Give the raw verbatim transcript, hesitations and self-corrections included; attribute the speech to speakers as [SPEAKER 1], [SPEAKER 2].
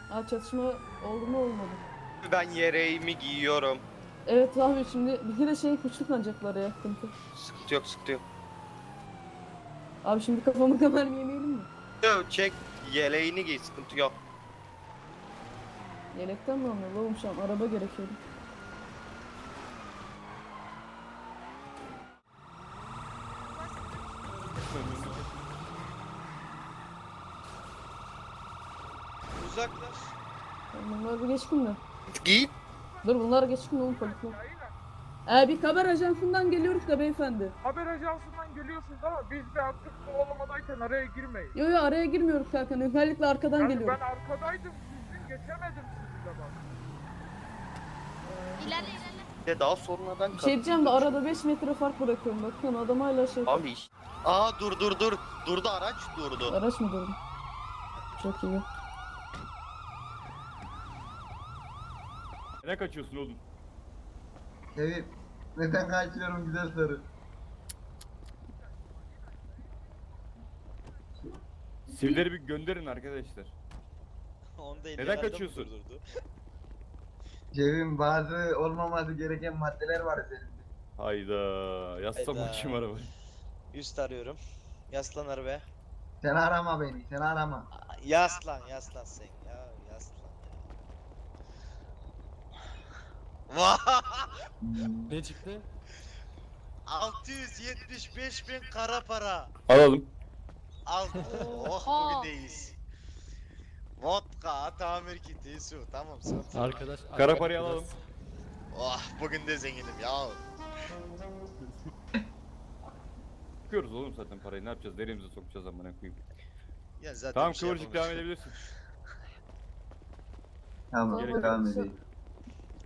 [SPEAKER 1] Aa, çatışma oldu mu olmadı.
[SPEAKER 2] Ben yeleğimi giyiyorum.
[SPEAKER 1] Evet abi, şimdi bir de şey kuşluklanacaklar ya, sıkıntı.
[SPEAKER 2] Sıkıntı yok, sıkıntı yok.
[SPEAKER 1] Abi şimdi kafamı kadar mı yemeyelim mi?
[SPEAKER 2] Yo, çek yeleğini giy, sıkıntı yok.
[SPEAKER 1] Yelekten mi anlıyor oğlum, şu an araba gerekiyordu.
[SPEAKER 3] Uzaklaş.
[SPEAKER 1] Bunlar bir geçkin mi?
[SPEAKER 2] Giy.
[SPEAKER 1] Dur, bunlar geçkin oğlum, polisler. Ee, bir haber ajansından geliyoruz da beyefendi.
[SPEAKER 4] Haber ajansından geliyorsunuz ama biz bir aktif kovalamadayken araya girmeyin.
[SPEAKER 1] Yo yo, araya girmiyoruz Hakan. Özellikle arkadan
[SPEAKER 4] Yani
[SPEAKER 1] geliyoruz.
[SPEAKER 4] ben arkadaydım, sizin geçemedim sizinle bak.
[SPEAKER 5] İlerle ilerle.
[SPEAKER 2] De daha sonradan
[SPEAKER 1] Bir şey diyeceğim de arada beş metre fark bırakıyorum. Bakın adam hala şey...
[SPEAKER 2] Abi iş. Aa dur dur dur. Durdu, araç durdu.
[SPEAKER 1] Araç mı durdu? Çok iyi.
[SPEAKER 6] Ne kaçıyorsun oğlum?
[SPEAKER 7] Sevim, neden kaçıyorum güzel soru.
[SPEAKER 6] Sivrileri bir gönderin arkadaşlar.
[SPEAKER 3] Onda
[SPEAKER 6] Neden
[SPEAKER 3] ellilerden
[SPEAKER 6] kaçıyorsun?
[SPEAKER 3] durdurdu.
[SPEAKER 7] Sevim, bazı olmaması gereken maddeler var üzerinde.
[SPEAKER 6] Hayda. Yazsam
[SPEAKER 3] Hayda.
[SPEAKER 6] bakayım arabayı.
[SPEAKER 3] Üst arıyorum. Yaslan arabaya.
[SPEAKER 7] Sen arama beni, sen arama.
[SPEAKER 3] Aa, Yaslan yaslan sen ya yaslan ya. Vah!
[SPEAKER 8] Ne çıktı?
[SPEAKER 3] altı yüz yetmiş beş bin kara para.
[SPEAKER 6] Alalım.
[SPEAKER 3] Al. Oh
[SPEAKER 5] Oha.
[SPEAKER 3] bugündeyiz. Vodka, tamir kiti, su. Tamam sıkıntı yok.
[SPEAKER 8] Arkadaş.
[SPEAKER 6] Kara parayı alalım.
[SPEAKER 3] Oh bugün de zenginim ya.
[SPEAKER 6] Çıkıyoruz oğlum zaten parayı. Ne yapacağız? Neremize sokacağız amına koyayım.
[SPEAKER 3] Ya zaten
[SPEAKER 6] Tamam
[SPEAKER 3] bir şey
[SPEAKER 6] kıvırcık devam
[SPEAKER 3] yapamamış.
[SPEAKER 6] edebilirsin.
[SPEAKER 7] Tamam,
[SPEAKER 6] Gerek
[SPEAKER 7] devam
[SPEAKER 1] yok.
[SPEAKER 7] edeyim.